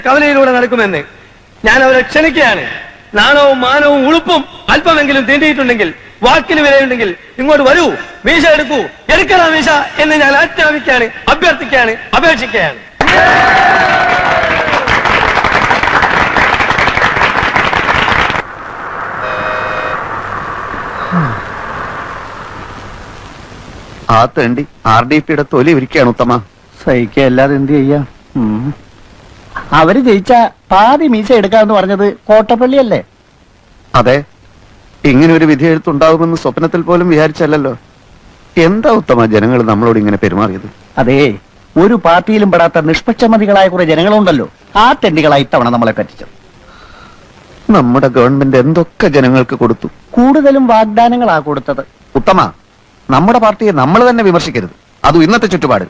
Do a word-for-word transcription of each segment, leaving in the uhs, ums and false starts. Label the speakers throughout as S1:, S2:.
S1: കവലയിലൂടെ നടക്കുമെന്ന് ഞാൻ അവരെ ക്ഷണിക്കുകയാണ്. നാണവും മാനവും ഉളുപ്പും അല്പമെങ്കിലും തീണ്ടിയിട്ടുണ്ടെങ്കിൽ, വാക്കിന് വിലയുണ്ടെങ്കിൽ ഇങ്ങോട്ട് വരൂ, മീശ എടുക്കൂ, എടുക്കണ മീശ എന്ന് ഞാൻ ആജ്ഞാപിക്കുകയാണ്, അഭ്യർത്ഥിക്കുകയാണ്, അപേക്ഷിക്കുകയാണ്.
S2: ആ തേണ്ടി ആർ ഡി പിയുടെ തൊലി ഇരിക്കുകയാണ് ഉത്തമ.
S3: സഹിക്കല്ലാതെ എന്ത് ചെയ്യാം? അവര് ജയിച്ച പാതി മീശ എടുക്കാന്ന് പറഞ്ഞത് കോട്ടപ്പള്ളിയല്ലേ?
S2: അതെ, ഇങ്ങനെ ഒരു വിധി എഴുത്തുണ്ടാകുമെന്ന് സ്വപ്നത്തിൽ പോലും വിചാരിച്ചല്ലോ. എന്താ ഉത്തമ ജനങ്ങൾ നമ്മളോട് ഇങ്ങനെ പെരുമാറിയത്?
S3: അതേ, ഒരു പാർട്ടിയിലും പെടാത്ത നിഷ്പക്ഷമതികളായ കുറെ ജനങ്ങളുണ്ടല്ലോ, ആ തെണ്ടികളായി ഇത്തവണ നമ്മളെ പറ്റിച്ചത്.
S2: നമ്മുടെ ഗവൺമെന്റ് എന്തൊക്കെ ജനങ്ങൾക്ക് കൊടുത്തു.
S3: കൂടുതലും വാഗ്ദാനങ്ങളാ കൊടുത്തത്.
S2: ഉത്തമ, നമ്മുടെ പാർട്ടിയെ നമ്മൾ തന്നെ വിമർശിക്കരുത്, അതും ഇന്നത്തെ ചുറ്റുപാട്.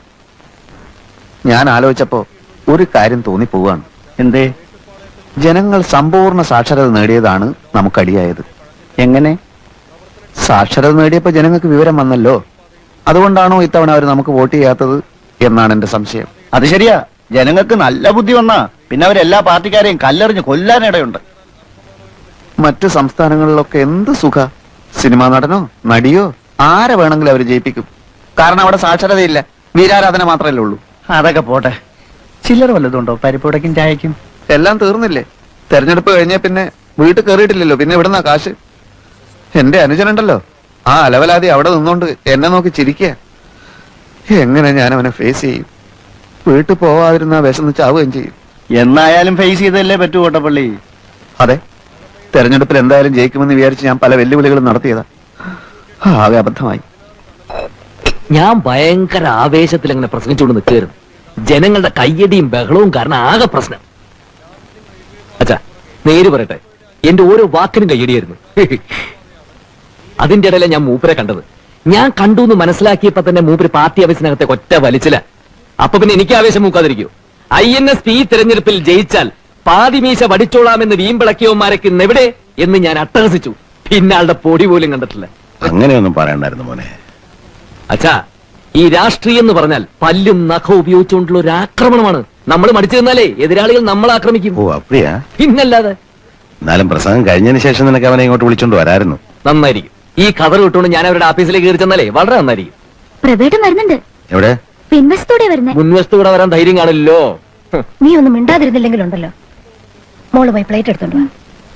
S2: ഞാൻ ആലോചിച്ചപ്പോ ഒരു കാര്യം തോന്നിപ്പോവാണ്.
S3: എന്തേ?
S2: ജനങ്ങൾ സമ്പൂർണ്ണ സാക്ഷരത നേടിയതാണ് നമുക്കടിയായത്.
S3: എങ്ങനെ?
S2: സാക്ഷരത നേടിയപ്പോ ജനങ്ങൾക്ക് വിവരം വന്നല്ലോ, അതുകൊണ്ടാണോ ഇത്തവണ അവർ നമുക്ക് വോട്ട് ചെയ്യാത്തത് എന്നാണ് എന്റെ സംശയം.
S3: അത് ശരിയാ, ജനങ്ങൾക്ക് നല്ല ബുദ്ധി വന്നാ പിന്നെ അവരെല്ലാ പാർട്ടിക്കാരെയും കല്ലെറിഞ്ഞ് കൊല്ലാനിടയുണ്ട്.
S2: മറ്റു സംസ്ഥാനങ്ങളിലൊക്കെ എന്ത് സുഖ, സിനിമാ നടനോ നടിയോ ആരെ വേണമെങ്കിലും അവർ ജയിപ്പിക്കും. കാരണം അവിടെ സാക്ഷരതയില്ല, വീരാരാധന മാത്രമല്ലേ ഉള്ളൂ.
S3: അതൊക്കെ പോട്ടെ, ചില്ലറ വല്ലതുണ്ടോ പരിപ്പുടയ്ക്കും ചായക്കും?
S2: എല്ലാം തീർന്നില്ലേ? തെരഞ്ഞെടുപ്പ് കഴിഞ്ഞ പിന്നെ വീട്ടിൽ കയറിയിട്ടില്ലല്ലോ, പിന്നെ ഇവിടുന്ന കാശ്. എന്റെ അനുജനുണ്ടല്ലോ, ആ അലവലാതി അവിടെ നിന്നോണ്ട് എന്നെ നോക്കി ചിരിക്കുക. എങ്ങനെ ഞാൻ അവനെ ഫേസ് ചെയ്യും? വീട്ടിൽ പോവാതിരുന്ന വിശന്ന് ചാവുകയും ചെയ്യും.
S3: എന്നായാലും ഫേസ് ചെയ്തല്ലേ പറ്റൂ കോട്ടപ്പള്ളി.
S2: അതെ, തെരഞ്ഞെടുപ്പിൽ എന്തായാലും ജയിക്കുമെന്ന് വിചാരിച്ച് ഞാൻ പല വെല്ലുവിളികളും നടത്തിയതാ. ആകെ അബദ്ധമായി.
S4: ഞാൻ ഭയങ്കര ആവേശത്തിൽ അങ്ങനെ പ്രസംഗിച്ചുകൊണ്ട് നിൽക്കുകയായിരുന്നു. ജനങ്ങളുടെ കയ്യടിയും ബഹളവും കാരണം ആകെ പ്രശ്നം. അച്ഛാ, നേര് പറയട്ടെ, എന്റെ ഓരോ വാക്കിനും കയ്യടിയായിരുന്നു. അതിന്റെ ഇടയിലെ ഞാൻ മൂപ്പരെ കണ്ടത്. ഞാൻ കണ്ടു എന്ന് മനസ്സിലാക്കിയപ്പോ തന്നെ മൂപ്പര് പാർട്ടി ഓഫീസിനകത്തെ ഒറ്റ വലിച്ചില്ല. അപ്പൊ പിന്നെ എനിക്ക് ആവേശം മൂക്കാതിരിക്കൂ? ഐ എൻ എസ് പി തെരഞ്ഞെടുപ്പിൽ ജയിച്ചാൽ പാതിമീശ വടിച്ചോളാമെന്ന് വീമ്പിളക്കിയവന്മാരൊക്കെ ഇന്നെവിടെ എന്ന് ഞാൻ അട്ടഹസിച്ചു. പിന്നാളുടെ പൊടി പോലും കണ്ടിട്ടില്ല.
S5: അങ്ങനെയൊന്നും പറയണ്ടായിരുന്നു മോനെ.
S4: അച്ഛാ, ഈ രാഷ്ട്രീയം എന്ന് പറഞ്ഞാൽ പല്ലും നഖവും ഉപയോഗിച്ചുകൊണ്ടുള്ള ഒരു ആക്രമണമാണ്. നമ്മൾ മടിച്ചു നിന്നാലേ എതിരാളികൾ നമ്മളെ ആക്രമിക്കും.
S5: ഓ അപ്പടിയാ?
S4: പിന്നല്ലാതെ.
S5: എന്നാലും പ്രസംഗം കഴിഞ്ഞതിന് ശേഷം നിനക്ക് അവനെ ഇങ്ങോട്ട് വിളിച്ചോണ്ട് വരായിരുന്നു.
S4: നന്നായിരിക്കും. ഈ കവർ കിട്ടുകൊണ്ട് ഞാൻ അവരുടെ ഓഫീസിലേക്ക് കയറി ചെന്നാലേ വളരെ നന്നായിരിക്കും.
S6: പ്രവേട്ടം വരുന്നുണ്ട്.
S5: എവിടെ?
S6: പിൻവശത്തൂടെ വരുന്നേ.
S4: മുൻവശത്തൂടെ വരാൻ ധൈര്യം കാണില്ലല്ലോ.
S6: നീ ഒന്നും മിണ്ടാതിരുന്നില്ലെങ്കിലുണ്ടല്ലോ. മോള് പോയി പ്ലേറ്റ് എടുത്തോണ്ട് വാ.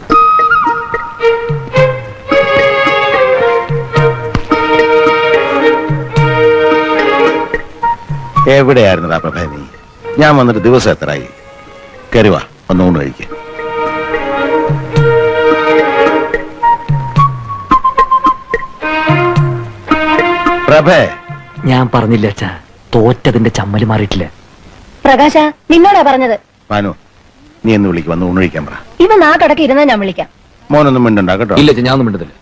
S5: എവിടെയായിരുന്നടാ പ്രഭേ നീ? ഞാൻ വന്നിട്ട് ദിവസം എത്രയായി? കരുവാ, ഒന്നുകൊണ്ട് കഴിക്കുക. പ്രഭേ,
S4: ഞാൻ പറഞ്ഞില്ല അച്ഛാ, തോറ്റതിന്റെ ചമ്മല് മാറിയിട്ടില്ല.
S6: പ്രകാശ, നിന്നോടാ പറഞ്ഞത്.
S5: മാനു, നീ എന്ന് വിളിക്കും, വന്ന് ഊണ് കഴിക്കാൻ പറ.
S6: ഇവ നാട്ടടക്കി ഇരുന്നാ ഞാൻ വിളിക്കാം.
S5: മോനൊന്നും മിണ്ടണ്ട കേട്ടോ.
S4: ഇല്ല, ഞാൻ ഒന്നും മിണ്ടതില്ല.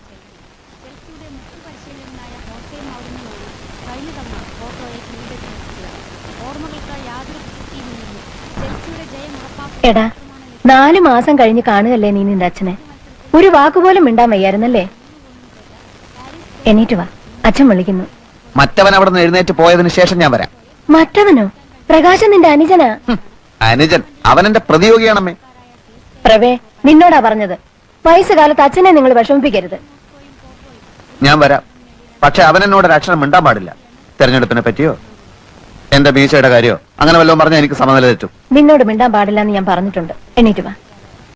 S6: എടാ, നാലു മാസം കഴിഞ്ഞ് കാണുകല്ലേ നീ നിന്റെ അച്ഛനെ. ഒരു വാക്കുപോലും മിണ്ടാൻ വയ്യായിരുന്നല്ലേ? എണീറ്റ് വാ, അച്ഛൻ വിളിക്കുന്നു.
S2: മറ്റവൻ അവിടെ നിന്ന് എഴുന്നേറ്റ് പോയതിനു ശേഷം ഞാൻ വരാം.
S6: മറ്റവനോ? പ്രകാശൻ നിന്റെ അനുജനാ.
S2: അനുജൻ? അവൻ എന്റെ പ്രതിയോഗിയാണമ്മേ.
S6: പ്രവേ, നിന്നോടാ പറഞ്ഞത്. വയസ്സുകാലത്ത് അച്ഛനെ നിങ്ങൾ വിഷമിപ്പിക്കരുത്.
S2: ഞാൻ വരാം, പക്ഷെ അവൻ എന്നോട് ഒരു അക്ഷരം മിണ്ടാൻ പാടില്ല. തെരഞ്ഞെടുപ്പിനെ പറ്റിയോ എന്റെ മീശയുടെ കാര്യോ അങ്ങനെ വല്ലതും പറഞ്ഞാൽ എനിക്ക് സമനില തെറ്റും.
S6: നിന്നോട് മിണ്ടാൻ പാടില്ല എന്ന് ഞാൻ പറഞ്ഞിട്ടുണ്ട്. എണീറ്റ് വാ.